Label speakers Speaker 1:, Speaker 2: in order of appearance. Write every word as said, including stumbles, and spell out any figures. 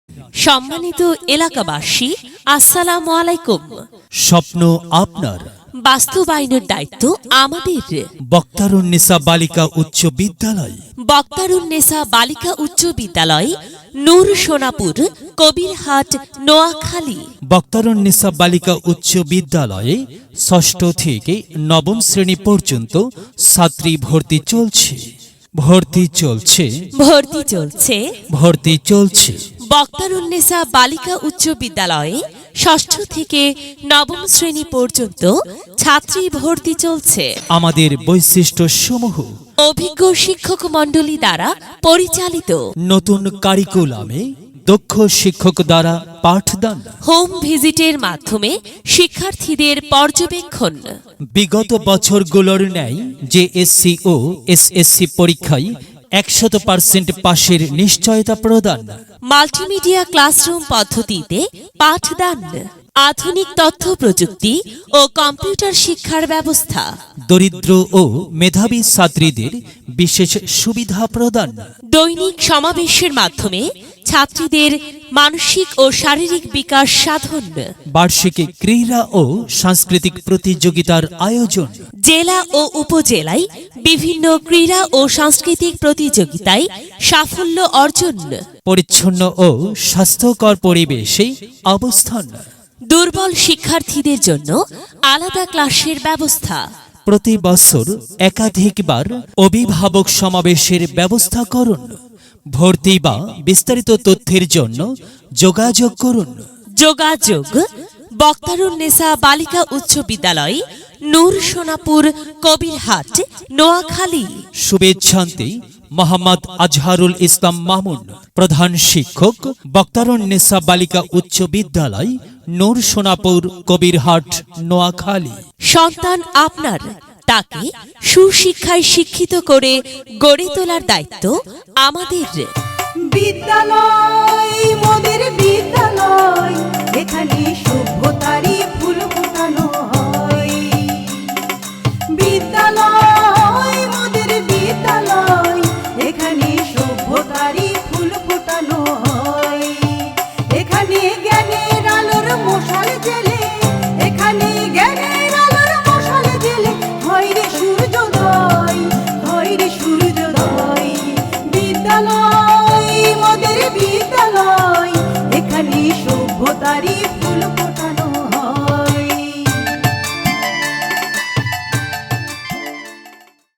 Speaker 1: সম্মানিত এলাকাবাসী, আসসালামু আলাইকুম।
Speaker 2: স্বপ্ন আপনার,
Speaker 1: বাস্তবায়নের দায়িত্ব আমাদের।
Speaker 2: বক্তারুন্নেসা বালিকা উচ্চ বিদ্যালয়,
Speaker 1: বক্তারুন্নেসা বালিকা উচ্চ বিদ্যালয়, নূর সোনাপুর, কবিরহাট, নোয়াখালী।
Speaker 2: বক্তারুন্নেসা বালিকা উচ্চ বিদ্যালয়ে ষষ্ঠ থেকে নবম শ্রেণী পর্যন্ত ছাত্রী ভর্তি চলছে ভর্তি চলছে
Speaker 1: ভর্তি চলছে
Speaker 2: ভর্তি চলছে
Speaker 1: বক্তারুন্নেসা বালিকা উচ্চ বিদ্যালয়ে ষষ্ঠ থেকে নবম শ্রেণী পর্যন্ত ছাত্রী ভর্তি চলছে।
Speaker 2: আমাদের বৈশিষ্ট্য সমূহ:
Speaker 1: অভিজ্ঞ শিক্ষক মণ্ডলী দ্বারা পরিচালিত,
Speaker 2: নতুন কারিকুলামে দক্ষ শিক্ষক দ্বারা পাঠদান,
Speaker 1: হোম ভিজিটের মাধ্যমে শিক্ষার্থীদের পর্যবেক্ষণ,
Speaker 2: বিগত বছরগুলোর ন্যায় জেএসসি ও এসএসসি পরীক্ষায় একশত পার্সেন্ট পাশের নিশ্চয়তা প্রদান,
Speaker 1: মাল্টিমিডিয়া ক্লাসরুম পদ্ধতিতে পাঠদান, আধুনিক তথ্য প্রযুক্তি ও কম্পিউটার শিক্ষার ব্যবস্থা,
Speaker 2: দরিদ্র ও মেধাবী ছাত্রীদের বিশেষ সুবিধা প্রদান,
Speaker 1: দৈনিক সমাবেশের মাধ্যমে ছাত্রীদের মানসিক ও শারীরিক বিকাশ সাধন,
Speaker 2: বার্ষিক ক্রীড়া ও সাংস্কৃতিক প্রতিযোগিতার আয়োজন,
Speaker 1: জেলা ও উপজেলায় বিভিন্ন ক্রীড়া ও সাংস্কৃতিক প্রতিযোগিতায় সাফল্য অর্জন,
Speaker 2: পরিচ্ছন্ন ও স্বাস্থ্যকর পরিবেশে অবস্থান,
Speaker 1: দুর্বল শিক্ষার্থীদের জন্য আলাদা ক্লাসের ব্যবস্থা,
Speaker 2: প্রতি বছর একাধিকবার অভিভাবক সমাবেশের ব্যবস্থা করুন। ভর্তি বা বিস্তারিত তথ্যের জন্য যোগাযোগ করুন।
Speaker 1: যোগাযোগ: বক্তারুন্নেসা বালিকা উচ্চ বিদ্যালয়, নূর সোনাপুর, কবিরহাট, নোয়াখালী।
Speaker 2: শুভেচ্ছান্তে মোহাম্মদ আজহারুল ইসলাম মামুন, প্রধান শিক্ষক, বক্তারুন্নেসা বালিকা উচ্চ বিদ্যালয়, নূর সোনাপুর, কবিরহাট, নোয়াখালী।
Speaker 1: সন্তান আপনার, তাকে সুশিক্ষায় শিক্ষিত করে গড়ে তোলার দায়িত্ব আমাদের।
Speaker 3: বিদ্যালয় মোদের বিদ্যালয়, এখানে সভ্যতারই ফুল ফোটানো হয়। বিদ্যালয় মোদের বিদ্যালয়, এখানে সভ্যতারই ফুল ফোটানো হয়। এখানে জ্ঞানের আলোর মশাল জেলে, এখানে জ্ঞানের আলোর মশাল জেলে হয় রে সূর্যোদয়, হয় রে সূর্যোদয়। বিদ্যালয় মোদের বিদ্যালয়, এখানে সভ্যতারই